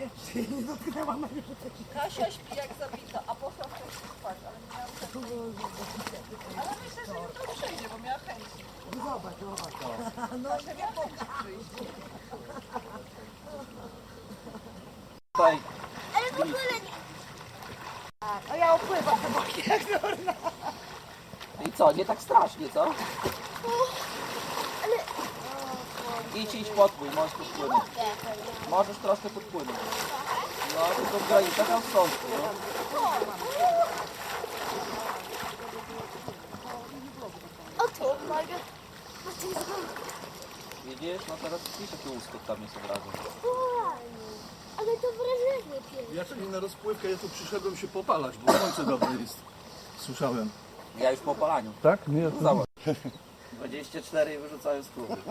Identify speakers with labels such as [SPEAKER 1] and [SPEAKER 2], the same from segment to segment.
[SPEAKER 1] Nie dotknęłam.
[SPEAKER 2] Kasia śpi jak zabita, a poszła wcześniej spać, ale nie miałam czasu. Ale myślę, że jutro przyjdzie, bo miała chęci.
[SPEAKER 1] Zobacz.
[SPEAKER 2] Kasia miała chęci przyjść.
[SPEAKER 3] Tutaj
[SPEAKER 4] Ale w ogóle nie.
[SPEAKER 1] A ja opływam te boki jak norna.
[SPEAKER 3] i co, nie tak strasznie, co?
[SPEAKER 4] Ale
[SPEAKER 3] Idź podpłyń, możesz podpłynąć. Możesz troszkę podpłynąć. No, tylko w granicach rozsądku, no.
[SPEAKER 4] o tu mogę. O tu jest
[SPEAKER 3] Widzisz? No teraz widzisz, jaki uskok tam jest od razu.
[SPEAKER 4] fajnie. Ale to wrażenie piękne.
[SPEAKER 5] Ja czekam na rozpływkę, ja tu przyszedłem się popalać, bo słońce dobre jest. Słyszałem.
[SPEAKER 3] Ja już po opalaniu.
[SPEAKER 5] Tak? Nie,
[SPEAKER 3] No zobacz. 24 i wyrzucają z klubu.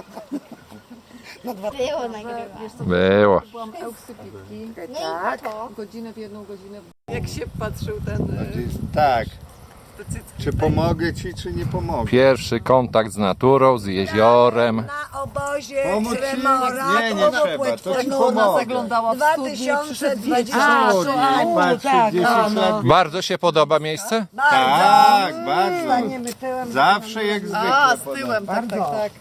[SPEAKER 4] Było nagrywane.
[SPEAKER 6] Było.
[SPEAKER 2] Byłam euksypitki,
[SPEAKER 4] No i to.
[SPEAKER 2] godzinę w jedną godzinę. Jak się patrzył ten...
[SPEAKER 7] Tak.
[SPEAKER 2] te cycki.
[SPEAKER 7] Czy pomogę ci, czy nie pomogę?
[SPEAKER 6] Pierwszy kontakt z naturą, z jeziorem.
[SPEAKER 1] Na obozie
[SPEAKER 7] Pomóc ci?
[SPEAKER 1] Tremora.
[SPEAKER 7] Nie, nie trzeba, to ci
[SPEAKER 2] Ona
[SPEAKER 7] pomogę.
[SPEAKER 2] zaglądała w studnię, przyszedł
[SPEAKER 1] 2020.
[SPEAKER 7] O, patrz, 10 lat.
[SPEAKER 6] Bardzo się podoba miejsce?
[SPEAKER 7] Tak, bardzo.
[SPEAKER 1] Staniemy tyłem.
[SPEAKER 7] Zawsze jak zwykle.
[SPEAKER 2] A, z
[SPEAKER 7] podam.
[SPEAKER 2] tyłem, tak.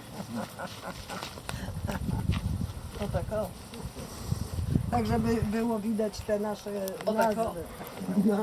[SPEAKER 2] No tak, o.
[SPEAKER 1] Tak, żeby było widać te nasze
[SPEAKER 2] O, tak, o.
[SPEAKER 1] nazwy.